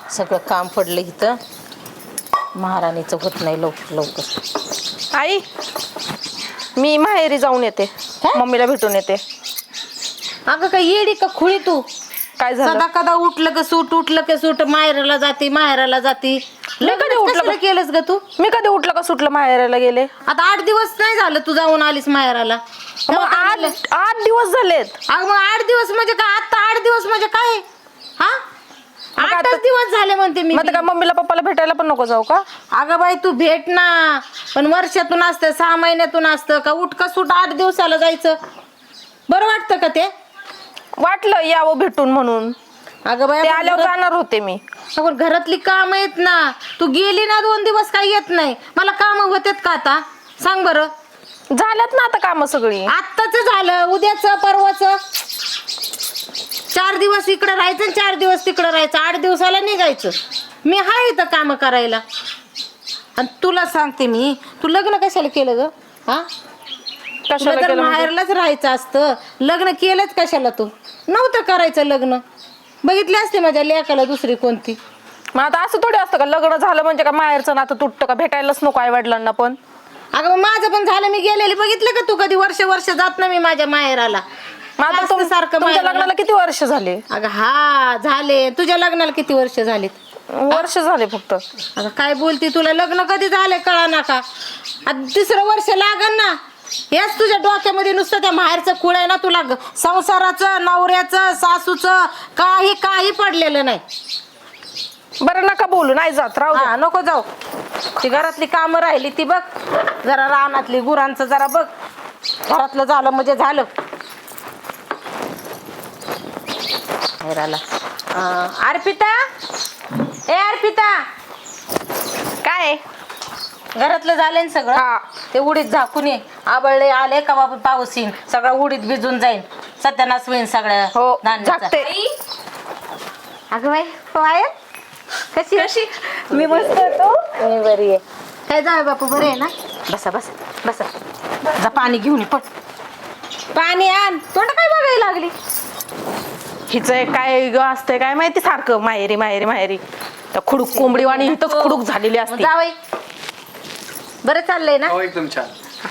सगळं काम पडलं इथं. महाराणीचं होत नाही लवकर लवकर. आई मी माहेरी जाऊन येते. मम्मीला भेटून येते. अगं काय येडी का खुळी तू? काय झालं? सदा कदा उठलं का सूट माहेराला जाती. मी कधी उठलं केलंस ग तू? मी कधी उठलं का सुटलं माहेराला गेले? आता 8 दिवस नाही झालं तू जाऊन आलीस माहेराला. मग 8 दिवस झालेत. अगं मग 8 दिवस म्हणजे काय? आता 8 दिवस म्हणजे काय? हा, 8च दिवस झाले म्हणते मी. मग काय मम्मीला पप्पाला भेटायला पण नको जाऊ का? अगं बाई तू भेट ना, पण वर्षातून असतं, 6 महिन्यातून असतं का? उठ का सूट 8 दिवसाला जायचं बरं वाटतं का ते? वाटलं यावं भेटून म्हणून. अगं बाई ते आल्यावर जाणार होते मी. आपण घरातली काम आहेत ना. तू गेली ना 2 दिवस काही येत नाही. मला काम होतात का आता? सांग बरं. झाल्यात ना आता काम सगळी. आत्ताच झालं, उद्याच परवाच. 4 दिवस इकडे राहायचं आणि 4 दिवस तिकडे राहायचं. 8 दिवसाला निघायचं. मी हाय इथं काम करायला. आणि तुला सांगते मी, तू लग्न कशाला केलं ग? हा, कशाला केलं? माहेरलाच राहायचं असतं. लग्न केलंच कशाला? तू नव्हतं करायचं लग्न. बघितले असते माझ्या लेकाला दुसरी कोणती. मग आता असं थोडी असतं का लग्न झालं म्हणजे का माहेरचं नातं तुटतं का? भेटायलाच नको आई वडिलांना पण. अगं मग माझं पण झालं. मी गेलेली बघितलं का तू? कधी वर्ष जात ना मी माझ्या माहेराला. आता सारखं तुमच्या लग्नाला किती वर्ष झाले? अगं हा झाले. तुझ्या लग्नाला किती वर्ष झालीत? वर्ष झाले फक्त. अगं काय बोलती? तुला लग्न कधी झालंय कळा ना का? आता 3रं वर्ष लागन ना. हेच तुझ्या डोक्यामध्ये नुसतं त्या माहेरचं कुळ आहे ना. तुला संसाराचं, नवऱ्याचं, सासूचं काही पडलेलं नाही. बरं नका बोलू, नाही जात. राहू हा, नको जाऊ. ती घरातली कामं राहिली ती बघ जरा. रानातली गुरांचं जरा बघ. घरातलं झालं म्हणजे झालं. अर्पिता, ए अर्पिता, काय घरातलं झालंय ना सगळं? हा. ते उडीद झाकून ये. आबळले आले का बाबा पाऊस येईन, सगळं उडीद भिजून जाईन, सत्यानाश होईन सगळ्या हो धान्याचा. झाकते. अगं बाई पायल कशी कशी? मी मस्त होतो. मी बरी आहे. काय जावे बापू बरे आहे ना? बसा बसा बसा. जा पाणी घेऊन ये पण. पाणी आण. तोंड काय बघायला लागली? हिचं काय ग असतंय काय माहिती, सारखं माहेरी माहेरी माहेरी. त्या खुडूक कोंबडीवाणी इथंच खुडूक झालेली असते. जावई बरं चाललंय ना? हो एकदम छान.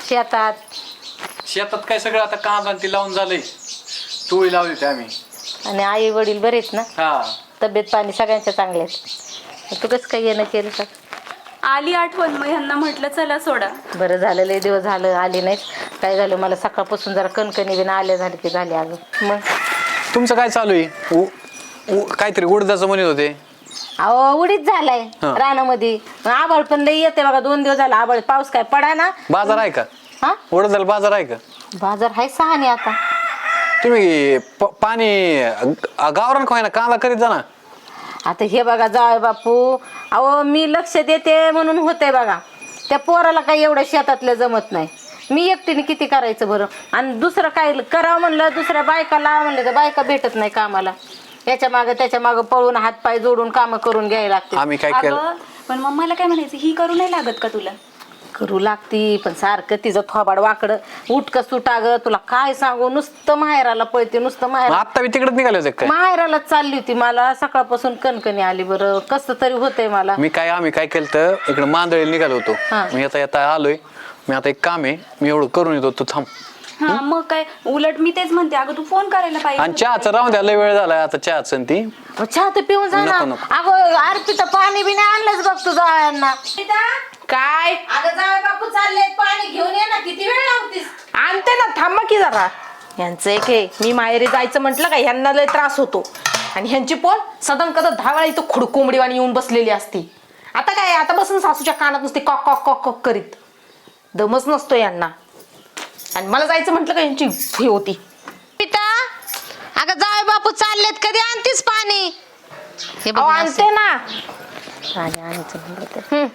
शेतात काय सगळं आता काम आणि ती लावून झालंय. टोळी लावली होती आम्ही. आणि आई वडील बरेच ना? हा, तब्येत पाणी सगळ्यांच्या चांगल्या आहेत. तू कसं काय येणं केलं का? आली आठवण, मग ह्यांना म्हटलं चला सोडा. बरं झालं, लय दिवस झालं आली नाही. काय झालं मला सकाळपासून जरा कणकणी बिन आल्या झाली की झाली. अगं मग तुमचं काय चालू आहे? काहीतरी उडदाचं म्हणत होते. अहो उडीच झालाय रानामध्ये. आभाळ पण लई येते बघा. 2 दिवस झाला आभाळ. पाऊस काय पडा ना. बाजार आहे का? हा, उडदाला बाजार आहे का? बाजार आहे 6 ने आता. तुम्ही पाणी गावरान खाय ना, कांदा करीत जा ना. आता हे बघा जावई बापू, अहो मी लक्ष देते म्हणून होतंय बघा. त्या पोराला काही एवढं शेतातलं जमत नाही. मी एकटीने किती करायचं बरं? आणि दुसरं काय करावं म्हणलं, दुसऱ्या बायका लावा म्हणलं तर बायका भेटत नाही कामाला. याच्या मागं त्याच्या मागं पळून हातपाय जोडून कामं करून घ्यायला लागते. आम्ही काय केलं? अगं पण मग मला काय म्हणायचं, ही करू नाही लागत का तुला? करू लागती, पण सारखं तिचं थोबाड वाकडं उठक सुटा ग. तुला काय सांगू, नुसतं माहेराला पळते, नुसतं माहेर. आता मी तिकडेच निघाले होते काय? माहेरालाच चालली होती. मला सकाळपासून कणकणी आली. बरं कसं तरी होतंय मला. आम्ही काय केलं तर इकडे मांदळी निघालो होतो. मी येता आलोय. मी आता एक काम आहे, मी एवढं करून येतो, तू थांब. हा मग काय, उलट मी तेच म्हणते, अगं तू फोन करायला आणि पाहिजे. चहाचं राहून द्या, लय वेळ झालाय आता चहाचं ती. चहा तर पिऊन जा ना. नको. अगं अर्पिता पाणी बी नाही आणलंच बघ तुझा यांना. काय अगं जावई बापू चालले, पाणी घेऊन ये ना. किती वेळ लावतीस? आणते ना, थांबा की जरा. यांचं एक हे, मी माहेरी जायचं म्हटलं का ह्यांना लय त्रास होतो. आणि ह्यांची पोल सदन कदा 10 वेळा इथं खुड कोंबडीवाणी येऊन बसलेली असती. आता काय, आता बसून सासूच्या कानात नुसते कॉक कॉक कॉक कॉक करीत. दमच नसतो यांना. आणि मला जायचं म्हटलं का यांची हे होती. पिता, अगं जावई बापू चाललेत, कधी आणतीस पाणी? हे बघ आणते ना. पाणी आणायचं म्हणलं तर.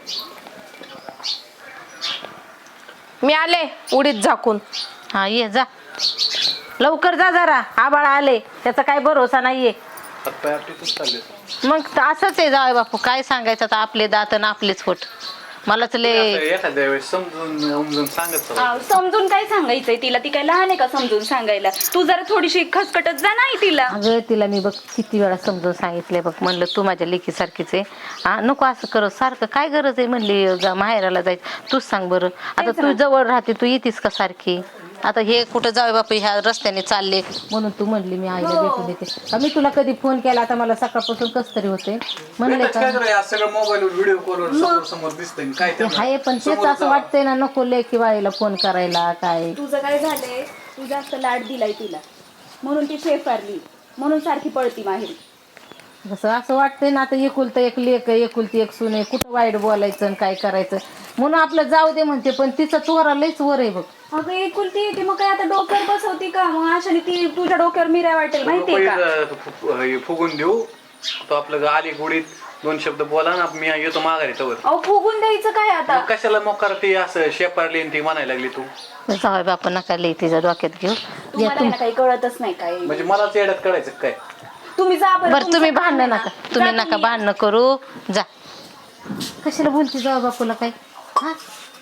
मी आले उडीद झाकून. हा ये जा लवकर जा जरा. आबाळ आले, त्याचा काय भरोसा नाहीये. मग असंच आहे जावई बापू, काय सांगायचं आता. आपले दात आणि आपलेच होट. मलाच लय एखाद्या वेळेस समजून उमजून सांगत चला. समजून काय सांगायचंय तिला? ती काय लहान आहे का समजून सांगायला? तू जरा थोडीशी खसकटत जा नाही तिला. अगं तिला मी बघ किती वेळा समजून सांगितलंय बघ, म्हणलं तू माझ्या लेकीसारखीच आहे हा, नको असं कर, सारखं काय गरज आहे म्हणली माहेराला जायचं, तूच सांग बरं. आता तू जवळ राहते, तू येतीस का सारखी? आता हे कुठं जाऊ बापू ह्या रस्त्याने चालले म्हणून तू म्हणली मी आईला भेटून देते. मी तुला कधी फोन केला आता मला सकाळपासून कस तरी होते म्हणले का सगळं मोबाईलवर व्हिडिओ कॉलवर समोर समोर दिसतंय काय ते आहे, पण तेच असं वाटतंय ना नको लेकी बाईला फोन करायला काय. तुझं काय झालंय? तू जास्त लाड दिलाय तिला म्हणून ती फेफारली, म्हणून सारखी पळती माहेरी. कसं असं वाटतंय ना आता एकुलतं एक लेक एकुलती एक सून आहे, कुठं वाईट बोलायचं आणि काय करायचं म्हणून आपलं जाऊ दे म्हणते, पण तिचं चोरा लयच वर आहे बघ. अगं एकुलती येते मग काय आता डोक्यावर बसवती का? मग अशाने ती तुझ्या डोक्यावर मिऱ्या वाटेल माहितीये का? फुगून देऊ तो आपलं आली गुडीत 2 शब्द बोला ना, मी येतो माघारी तवर. अहो फुगून द्यायचं काय आता? मग कशाला मोकार ती असं शेपारली ती म्हणायला लागली तू? जाऊ बापा नका लई तिच्या डोक्यात घेऊ. तुम्हाला ना काही कळतच नाही काय. म्हणजे मलाच येड्यात कळायचं काय? तुम्ही जा बरं तुम्ही भांडण नका, तुम्ही नका भांडणं करू, जा. कशाला बोलती जाऊ बापूला काय हा?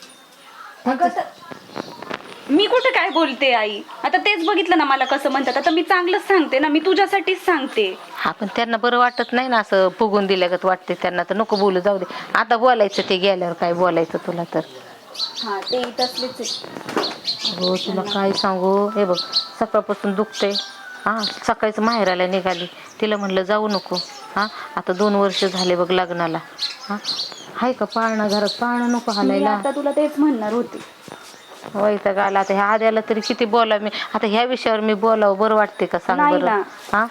मी कुठे काय बोलते आई? आता तेच बघितलं ना मला कसं म्हणतात. आता मी चांगलंच सांगते ना, मी तुझ्यासाठीच सांगते. हा पण त्यांना बरं वाटत नाही ना असं फुगून दिल्यागत वाटते त्यांना, तर नको बोलू, जाऊ दे. आता बोलायचं ते गेल्यावर काय बोलायचं तुला तर. हा ते तसलेच आहे. हो तुला काय सांगू, हे बघ सकाळपासून दुखतंय हा, सकाळीच माहेराला निघाली, तिला म्हणलं जाऊ नको हा, आता 2 वर्ष झाले बघ लग्नाला हा, हाय का पाळणा घरात, पाळणा नको मी हालायला. आता तुला तेच म्हणणार होते. वैताग आला आता ह्या आद्याला तरी किती बोला मी आता ह्या विषयावर मी बोलावं बरं वाटते का सांग नाही बरं ना. हा.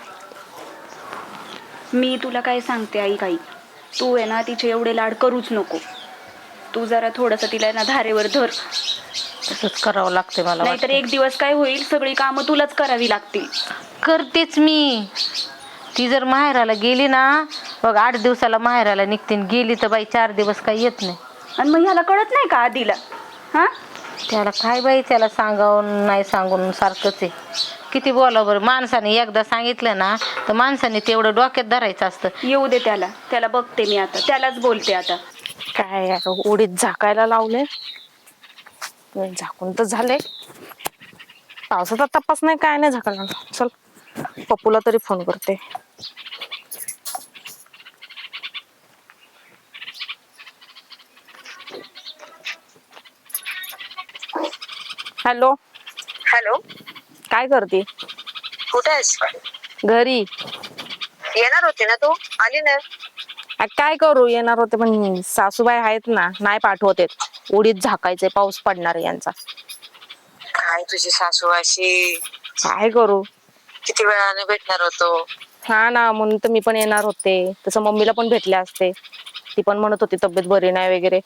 मी तुला काय सांगते आई, काही तू आहे ना तिचे एवढे लाड करूच नको. तू जरा थोडस तिला ना धारेवर धर, तसंच करावं लागते मला नाहीतर वाटतंय. एक दिवस काय होईल, सगळी कामं तुलाच करावी लागतील. करतेच मी. ती जर माहेराला गेली ना बघ 8 दिवसाला माहेराला निघते, गेली तर बाई 4 दिवस काही येत नाही. आणि मग ह्याला कळत नाही का आधीला? हा त्याला काय बाई, त्याला सांगावून नाही सांगून सारखंच आहे. किती बोलावं बरं, माणसाने एकदा सांगितलं ना तर माणसाने तेवढं डोक्यात धरायचं असतं. येऊ दे त्याला बघते मी आता, त्यालाच बोलते आता. काय उडीत झाकायला लावले, झाकून तर झाले. पावसाचा तपास नाही काय नाही झाकायला. चल पप्पूला तरी फोन करते. हॅलो हॅलो, काय करते? कुठे आहेस? घरी. येणार होती ना तू? आली ना? काय करू, येणार होते पण सासूबाई आहेत ना, नाही पाठवत आहेत. उडीत झाकायचे, पाऊस पडणार आहे यांचा. काय तुझी सासू अशी? काय करू, किती वेळाने भेटणार होतो. हा ना, म्हणून तर मी पण येणार होते. तसं मम्मीला पण भेटले असते, ती पण म्हणत होती तब्येत बरी नाही वगैरे.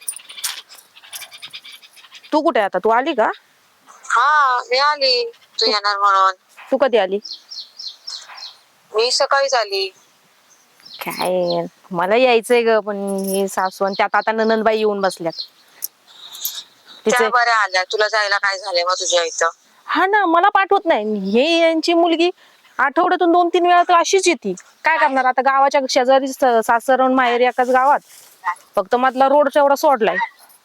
तू कुठे आता? तू आली का? हा मी आली, तू येणार म्हणून. तू कधी आली? मी सकाळीच आली. काय मला यायचंय ग, पण ही सासू आणि त्यात आता ननंदबाई येऊन बसल्यात. त्या बऱ्या आल्या, तुला जायला काय झालंय मग तुझ्या इथं? हा ना, मला पाठवत नाही. हे यांची मुलगी आठवड्यातून 2-3 वेळा तर अशीच येते. काय करणार आता, गावाच्या शेजारी सासर आणि माहेर एकाच गावात, फक्त मधला रोड एवढा सोडलाय.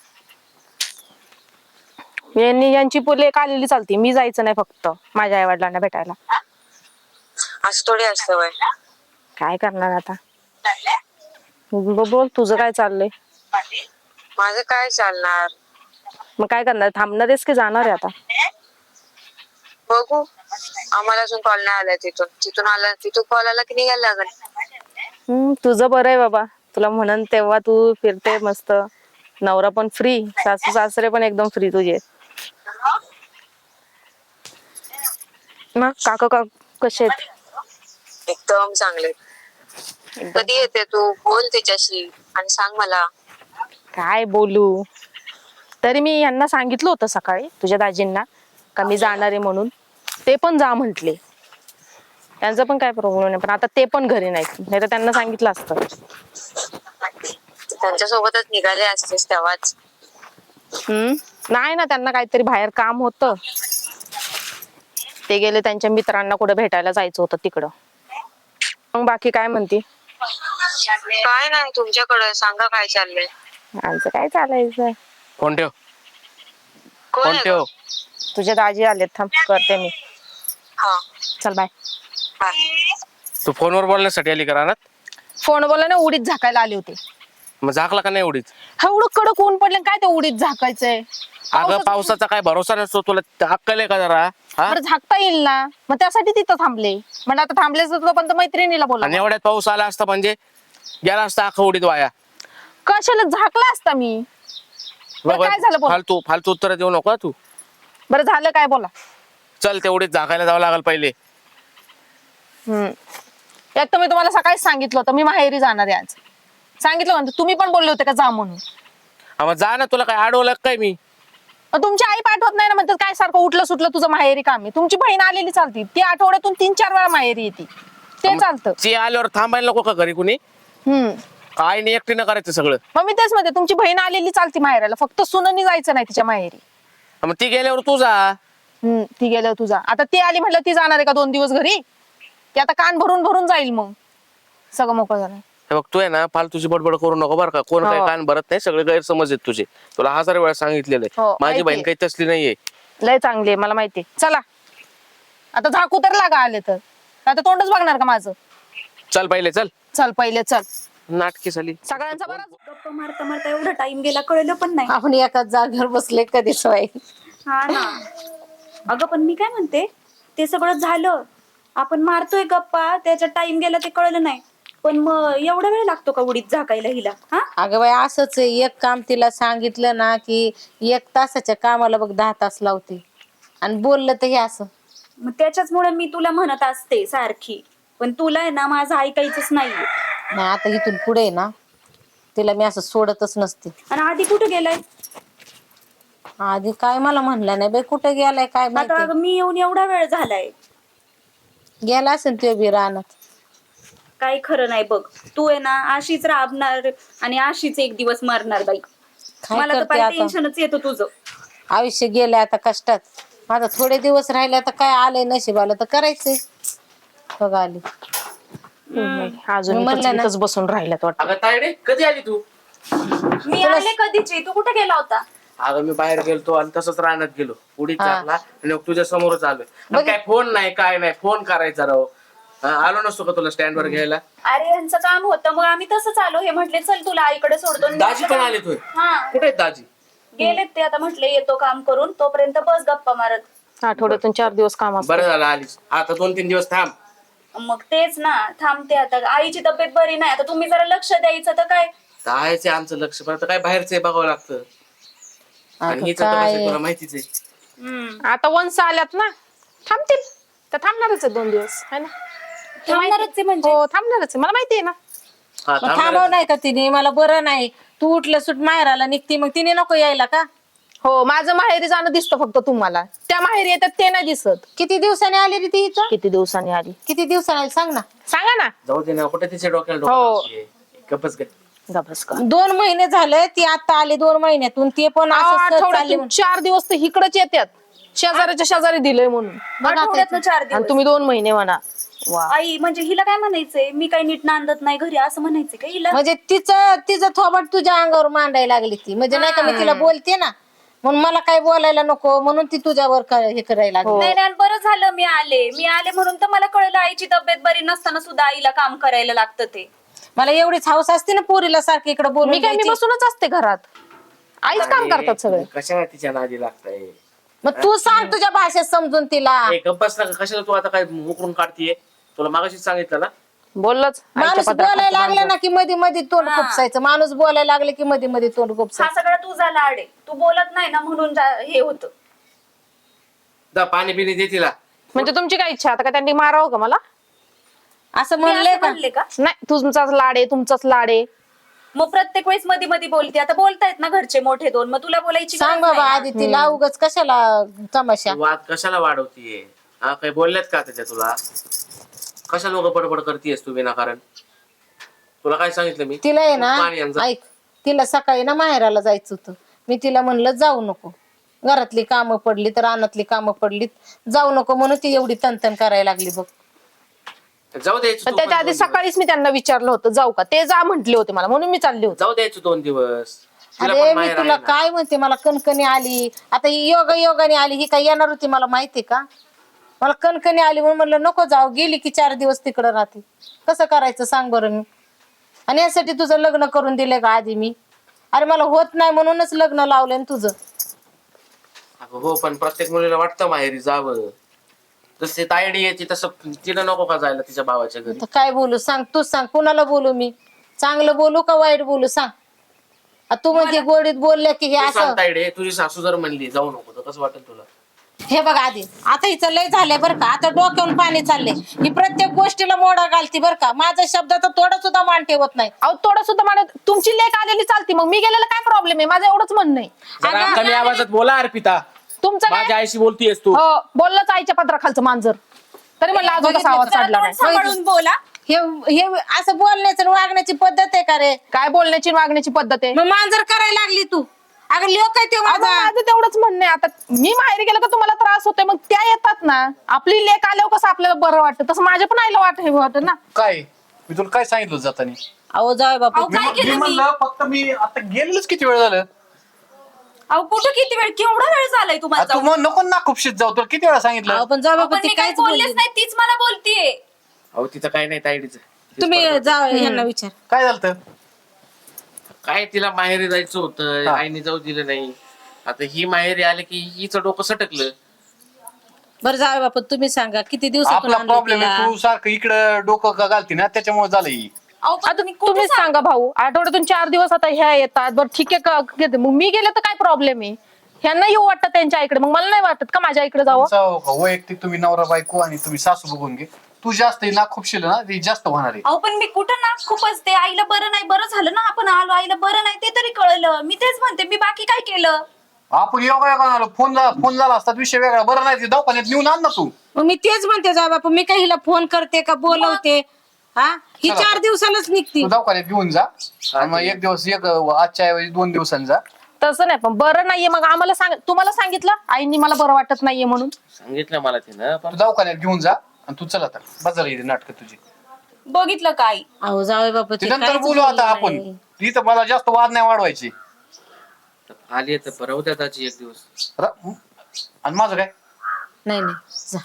यांची लेक आलेली चालते, मी जायचं नाही फक्त माझ्या आई वडिलांना भेटायला. असं थोडी असतं वय. काय करणार आता. बोल तुझं काय चाललंय? माझं काय चालणार. मग काय करणार, थांबणार आहेस की जाणार आहे आता? बघू, आम्हाला अजून कॉल नाही आलाय तिथून आला, तिथून कॉल आला की निघायला लागेल. तुझं बरं आहे बाबा, तुला म्हणन तेव्हा तू फिरते मस्त. नवरा पण फ्री, सासू सासरे पण एकदम फ्री तुझे. मग काका कसे आहेत? एकदम चांगले. कधी येते तू? बोल तिच्याशी आणि सांग मला. काय बोलू, तरी मी यांना सांगितलं होतं सकाळी तुझ्या दाजींना का मी जाणार आहे म्हणून. ते पण जा म्हंटले, त्यांचा पण काय प्रॉब्लेम नाही. पण आता ते पण घरी नाहीत, नाही तर त्यांना सांगितलं असतं. त्यांच्या सोबतच निघाले असतेस तेव्हाच. नाही ना, त्यांना काहीतरी बाहेर काम होतं, ते गेले त्यांच्या मित्रांना कुठे भेटायला जायचं होतं तिकडं. मग बाकी काय म्हणते? काय नाही तुमच्याकडे, सांगा काय चाललंय. आमचं काय चालायचं. फोन ठेव कोण फोन आहे ठेव. गं? तुझे दाजी आलेत, थांब करते मी. हा चल बाय. बाय. तू फोनवर बोलण्यासाठी आली का रानात? फोन बोला ना, उडीत झाकायला आले होते. मग झाकला का नाही उडीच? एवढं कडक ऊन पडलं काय ते उडीत झाकायचंय. अगं पावसाचा काय भरोसा नसतो, तुला अक्कल आहे का जरा? हा? बरं झाकता येईल ना, मग त्यासाठी तिथं थांबले. म्हणजे आता थांबलेच तर पण मैत्रिणीला बोला. आणि एवढ्यात पाऊस आला असता म्हणजे गेला असता अख्खा उडीत वाया. कशाला झाकला असता मी. बरं, काय झालं बोला. फालतू फालतू उत्तर देऊ नको तू. बरं झालं काय बोला. चल तेवढीच झाकायला जावं लागल पहिले. एक तर मी तुम्हाला सकाळीच सांगितलं होतं मी माहेरी जाणार आहे आज. सांगितलं म्हणतो, तुम्ही पण बोलले होते का जा म्हणून. हा, मग जा ना, तुला काय अडवलं काय मी? मग तुमची आई पाठवत नाही ना, म्हणतात काय सारखं उठलं सुटलं तुझं माहेरी काम आहे. तुमची बहीण आलेली चालती, ती आठवड्यातून 3-4 वेळा माहेरी येते, ते चालतं. ती आल्यावर थांबायला नको का घरी कुणी? काय नाही, एकटीनं करायचं सगळं. मग मी तेच म्हणते, तुमची बहीण आलेली चालती माहेराला, फक्त सुननी जायचं नाही तिच्या माहेरी. हा, मग ती गेल्यावर तू जा. ती गेल्यावर तुझा. आता ती आली म्हटलं ती जाणार आहे का 2 दिवस घरी? ती आता कान भरून भरून जाईल, मग सगळं मोकळं झालं. हे बघ, तू आहे ना फालतूची बडबड करू नको बरं का. कोण काय कान भरत नाही, सगळे गैरसमज आहेत तुझे. तुला 1000 वेळा सांगितलेलं आहे. हो, माझी बहीण माहितीये. काही तसली नाहीये. लय चांगली आहे, मला माहिती. चला आता झाकू तर लागा आले तर. आता तोंडच बघणार का माझं? चल पहिले चल. चल पहिले चल. नाटकी झाली. सगळ्यांचा बरा. गप्पा मारता मारता एवढा टाइम गेला कळलं पण नाही. आपण एकाच जागेवर बसले कधी सवय. हा ना. अगं पण मी काय म्हणते, ते सगळं झालं, आपण मारतोय गप्पा, त्याचा टाइम गेला ते कळलं नाही. पण मग एवढा वेळ लागतो का उडीत झाकायला हिला? हा अगं बाई असंच आहे, एक काम तिला सांगितलं ना की 1 तासाच्या कामाला बघ 10 तास लावते. आणि बोललं तर हे असं. मग त्याच्याचमुळे मी तुला म्हणत असते सारखी, पण तुला आहे ना माझं ऐकायचंच नाहीये. नाही आता इथून पुढे ना तिला मी असं सोडतच नसते. आणि आधी कुठे गेलाय? आधी काय मला म्हणलं नाही बाई, कुठे गेलाय काय आता माहिती. अगं मी येऊन एवढा वेळ झालाय. गेला असेल ते बी रानात. काही खरं नाही बघ. तू आहे ना अशीच राबणार आणि अशीच एक दिवस मरणार बाई. काय मला तर करते पाहिजे आता? टेन्शनच येतं तुझं. आयुष्य गेलंय आता कष्टात. माझा थोडे दिवस राहिले आता काय आलंय नशिबाला तर करायचंय. बघा आली. अजून मी म्हणलं ना. इथंच बसून राहिल्यात वाटतं. अगं तायडे, कधी आली तू? मी आले कधीची, तू कुठे गेला होता? अगं मी बाहेर गेलतो आणि तसंच रानात गेलो. उडीत झाकला आणि मग तुझ्या समोरच आलोय. आणि काय फोन नाही, काय नाही. फोन करायचा राव. आलो नसतो का तुला स्टँड वर घ्यायला? अरे यांचं काम होतं, मग आम्ही तसंच आलो. हे म्हटले चल तुला आईकडे सोडतो. आणि दाजी पण आले तू? हा कुठे आहेत दाजी? गेलेत ते, आता म्हटले येतो काम करून, तोपर्यंत बस गप्पा मारत. आठवड्यातून 4 दिवस काम असतं. बरं झालं आलीस. आता 2-3 दिवस थांब. मग तेच ना, थांबते आता. आईची तब्येत बरी नाही, आता तुम्ही जरा लक्ष द्यायचं तर काय. आहे आमचं लक्ष, पण आता काय बाहेरचं बघावं लागतं. आणि हिचं तर कसं तुला माहितीच आहे. आता वंस आल्यात ना, थांबतील. तर थांबणारच आहे 2 दिवस, है ना? थांबणारच आहे म्हणजे? हो थांबणारच आहे, मला माहिती आहे ना. हा, मग थांब थांबव नाही का तिने? मला बरं नाही. तू उठलं सुट माहेराला निघती, मग तिने नको यायला का? हो माझं माहेरी जाणं दिसतं फक्त तुम्हाला. त्या माहेरी येतात ते नाही दिसत. किती दिवसांनी आली रे ती इथं? किती दिवसांनी आली किती दिवसांनी आली सांग ना. सांगा ना. जाऊ दे ना, कुठे तिच्या डोक्याला हो. डोकं गप्पच काय. गबस का. 2 महिने झाले ती आता आली 2 महिन्यातून. ते पण असं सहज चालली आठवड्यातून म्हणून. 4 दिवस तर इकडच येतात. शेजाऱ्याच्या शेजारी दिलंय म्हणून. आठवड्यातनं 4 आणि दिवस. तुम्ही 2 महिने म्हणा. वा. आई म्हणजे हिला काय म्हणायचंय, मी काही नीट नांदत नाही घरी असं म्हणायचंय का हिला? म्हणजे तिचं थोबट तुझ्या अंगावर मांडायला लागली ती. म्हणजे नाही का मी तिला बोलते ना, म्हणून मला काय बोलायला नको म्हणून ती तुझ्यावर हे करायला लागली. नाही नाही, बरं झालं मी आले म्हणून तर मला कळलं आईची तब्येत बरी नसताना सुद्धा आईला काम करायला लागतं ते. मला एवढीच हौस असते ना पोरीला सारखी इकडे मी बोलून काय मी द्यायची. बसूनच असते घरात. आईच काम करतात सगळे. कशाला तिच्या नादी लागताय? मग तू सांग तुझ्या भाषेत समजून तिला. गप्पच ना, कशाला तू आता काय मुकरून काढतीये? तुला मागाशीच सांगितलं ना. बोललंच. माणूस बोलायला लागला ना की मध्ये मध्ये तोंड खुपसायचं. माणूस बोलायला लागले की मध्ये मध्ये तोंड हा खुपसायचं. सगळा तुझा लाड आहे, तू बोलत नाही ना म्हणून हे होतं. जा पाणी पिणी दे तिला. म्हणजे तुमची काय इच्छा आता का त्यांनी मारावं का मला? असं मी म्हणले असं का? म्हणले का? नाही तुमचाच लाड आहे, तुमचाच लाड आहे. मग प्रत्येक वेळेस मध्ये मध्ये बोलते. आता बोलतायत ना घरचे मोठे 2, मग तुला बोलायची सांग गरज बाबा नाही आधी तिला उगाच कशाला तमाशा. वाद कशाला वाढवतीये? हा काही बोलल्यात का त्याच्या तुला? कशा लोक बडबड करतीयस तू विनाकारण? तुला काय सांगितलं मी? तिला आहे ना, पाणी आण जा. ऐक, तिला सकाळी ना माहेराला जायचं होतं. मी तिला म्हणलं जाऊ नको, घरातली कामं पडली तर रानातली कामं पडलीत, जाऊ नको म्हणून ती एवढी तनतन करायला लागली बघ. जाऊ द्यायचं पण तू त्याच्या पण आधी 2 दिवस. सकाळीच मी त्यांना विचारलं होतं जाऊ का, ते जा म्हटले होते मला म्हणून मी चालले होते. जाऊ द्यायचं 2 दिवस. तिला अरे पण मी माहेर तुला आहे ना. काय म्हणते, मला कणकणी आली आता, ही योगाने आली, ही काय येणार होती मला माहिती का? मला कणकणी आली म्हणून म्हणलं नको जाऊ, गेली की 4 दिवस तिकडं राहते. कसं करायचं सांग बरं मी? आणि यासाठी तुझं लग्न करून दिलंय का आधी मी? अरे मला होत नाही म्हणूनच लग्न लावलंय ना तुझं. अगं हो, पण प्रत्येक मुलीला वाटतं माहेरी जावं. जसे तायडी यायची तसं तिला नको का जायला तिच्या भावाच्या घरी? तर काय बोलू सांग, तूच सांग, कुणाला बोलू मी? चांगलं बोलू का वाईट बोलू सांग? तू म्हणजे गोडीत बोलल्या की हे तू असं. सांग तायडे, तुझी सासू जर म्हणली जाऊ नको तर कसं वाटेल तुला? हे बघ आधी, आता हिचं लय झालंय बरं का, आता डोक्यावरून पाणी चाललंय. ही प्रत्येक गोष्टीला मोडा घालती बरं का, माझ्या शब्दाचा थोडा सुद्धा मान ठेवत नाही. अहो थोडं सुद्धा म्हणत, तुमची लेक आलेली चालती, मग मी गेलेलं काय प्रॉब्लेम आहे? माझं एवढंच म्हणणं आहे. जरा अगं, कमी आवाजात बोला अर्पिता. तुमचं काय? माझ्या आईशी बोलतीयस तू? हो, बोललंच आईच्या पदराखालचं मांजर. तरी म्हणलं अजून कसा आवाज जरा काढला तोंड नाही. सांभाळून बोला. हे हे असं बोलण्याचं आणि वागण्याची पद्धत आहे का रे? काय बोलण्याची आणि वागण्याची पद्धत आहे? मग मांजर करायला लागली तू. अगं लोक आहे ते अगं, माझा. माझं तेवढंच म्हणणं आहे. आता मी माहेरी गेलं का तुम्हाला त्रास होतोय, मग त्या येतात ना. आपली लेक आल्यावर कसं आपल्याला बरं वाटतं, तसं माझ्या पण आईला वाटत ना. काय मी तुला काय सांगितलं जातानी? अहो जाऊ बापू. अहो, काय मी केलं मी? म्हणलं फक्त मी आता गेलेलोच किती वेळ झालं. अहो कुठं किती वेळ, केवढा वेळ झालाय तुम्हाला तू जाऊन? मग नको ना खूपशीत जाऊ, तुला किती वेळा सांगितलं? अहो, पण जाऊ अहो, बापू पण ती मी काही काहीच बोलली बोललेच नाही, तीच मला बोलतीये. अहो तिचं काय नाही तायडीचं. तुम्ही जा यांना विचार. काय झालं? काय तिला माहेरी जायचं होतं, हा. आईने जाऊ दिलं नाही. आता ही माहेरी आले की हिचं डोकं सटकलं. बरं जाऊ बापू, तुम्ही सांगा किती दिवसातून आपला आणलं प्रॉब्लेम तिला? आहे, तू सारखं इकडं डोकं का घालती ना, त्याच्यामुळे झालं ही. अहो पण आता तुम्ही कुठे तुम्हीच सांगा भाऊ, आठवड्यातून 4 दिवस आता ह्या येतात. बरं ठीक आहे का, घेते. मग मी गेले तर काय प्रॉब्लेम आहे? ह्यांना येऊ वाटतं त्यांच्या आईकडे, मग मला नाही वाटत का माझ्या आईकडे जावं? तुमचा वैयक्तिक तुम्ही नवरा बायको आणि तुम्ही सासू बघून घे. तू जास्त ना खूपशील ना, ती जास्त होणार आहे. अहो पण मी कुठं ना खूपच ते आईला बरं नाही, बरं झालं ना आपण आलो, आईला बरं नाही ते तरी कळलं. मी तेच म्हणते, मी बाकी काय केलं? आपण योगा आलो, फोन झाला असतात विषय वेगळा. बरं नाही, ते दवाखान्यात नेऊन आण ना तू. मग मी तेच म्हणते जाऊ बापू, मी काही हिला फोन करते का बोलवते? हा, ही चला. 4 दिवसालाच निघती. तू दवाखान्यात घेऊन जा आणि मग एक दिवस आजच्या ऐवजी 2 दिवसांनी जा. तसं नाही, पण बरं नाहीये मग आम्हाला सांग. तुम्हाला सांगितलं आईनी मला बरं वाटत नाहीये म्हणून? सांगितलं मला तिनं, तू पण दवाखान्यात घेऊन जा आणि तू चला आता बाजारला येते नाटक तुझी. बघितलं काय? अहो जाऊ बापू, ते ते नंतर काहीच बोलू आता बोलली आपण. नाही. इथं मला जास्त वाद नाही वाढवायची. आली तर परवा त्याची एक दिवस. आणि माझं काय नाही नाही जा.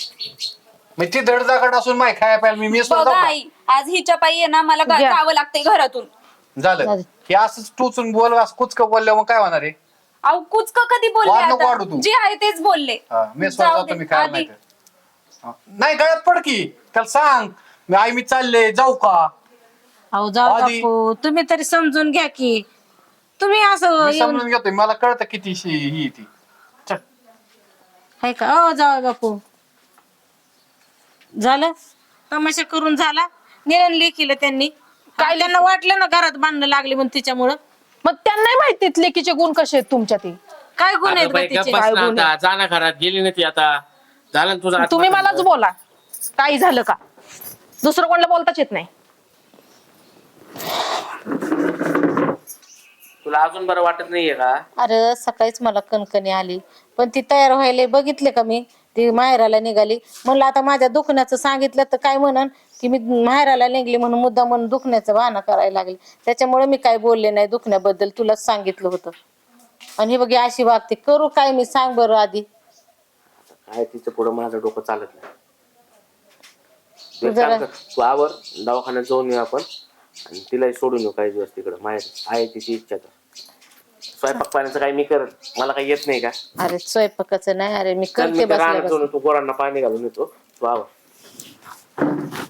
मग ती धडधाकट असून माय खाया प्यायला मी मेसवर बघा जाऊ का? आई, आज हिच्या पायी आहे ना मला घ्या. जावं लागतंय घरातून. झालं झालं. हे असंच टोचून बोल, असं कुचकं बोलल्यावर मग काय होणार आहे? अहो कुचक कधी बोलले वाढ नको आता? वाढू तू. जे आहे तेच बोलले. मेसवर जाऊ जातो दे, मी खायला आधी. नाही तर. हा. नाही गळ्यात पड की त्याला सांग, मी चालले जाऊ का? अहो जाऊ आधी- बापू, तुम्ही तरी समजून घ्या की. तुम्ही असं मी येऊन समजून घेतोय, मला कळतं किती ही ती. चल. आहे का? अहो जाऊ बापू, झालं तमाशा करून झाला. निरण लेखीला त्यांनी काय, त्यांना वाटलं ना घरात बांधणं लागले म्हणून तिच्यामुळं. मग त्यांनाही माहिती लेकीचे गुण कसे आहेत तुमच्या ते. काय गुन्हे आहेत अगं बा बाई, गप्प तिचे? बस ना आता. जा ना घरात, गेली ना ती आता. झालं ना तुझं तुम्ही आत्महत्या. मलाच बोला, काही झालं का? दुसरं कोणाला बोलताच येत नाही. तुला अजून बरं वाटत नाहीये का? अरे सकाळीच मला कणकणी आली, पण ती तयार व्हायला बघितले का मी, ती माहेराला निघाली. म्हणलं आता माझ्या दुखण्याचं सांगितलं तर काय म्हणन की मी माहेराला निघली म्हणून मुद्दा म्हणून दुखण्याचं बहाणा करायला लागले. त्याच्यामुळे मी काय बोलले नाही दुखण्याबद्दल, तुलाच सांगितलं होतं. आणि हे बघ अशी वागते, करू काय मी सांग बरं आधी. काय तिचं पुढं माझं डोकं चालत नाही. तू एक काम जरा- कर, तू आवर, दवाखान्यात जाऊन येऊ आपण आणि तिलाही सोडून येऊ काही दिवस तिकडं. माहेर आहे तिची इच्छा तर. स्वयंपाक पाण्याचं काही मी करत, मला काही येत नाही का? अरे स्वयंपाकाचं नाही, अरे मी चल, करते मी त्या रानात बसल्या जाऊन तू पोरांना पाणी घालून येतो. तू आवर.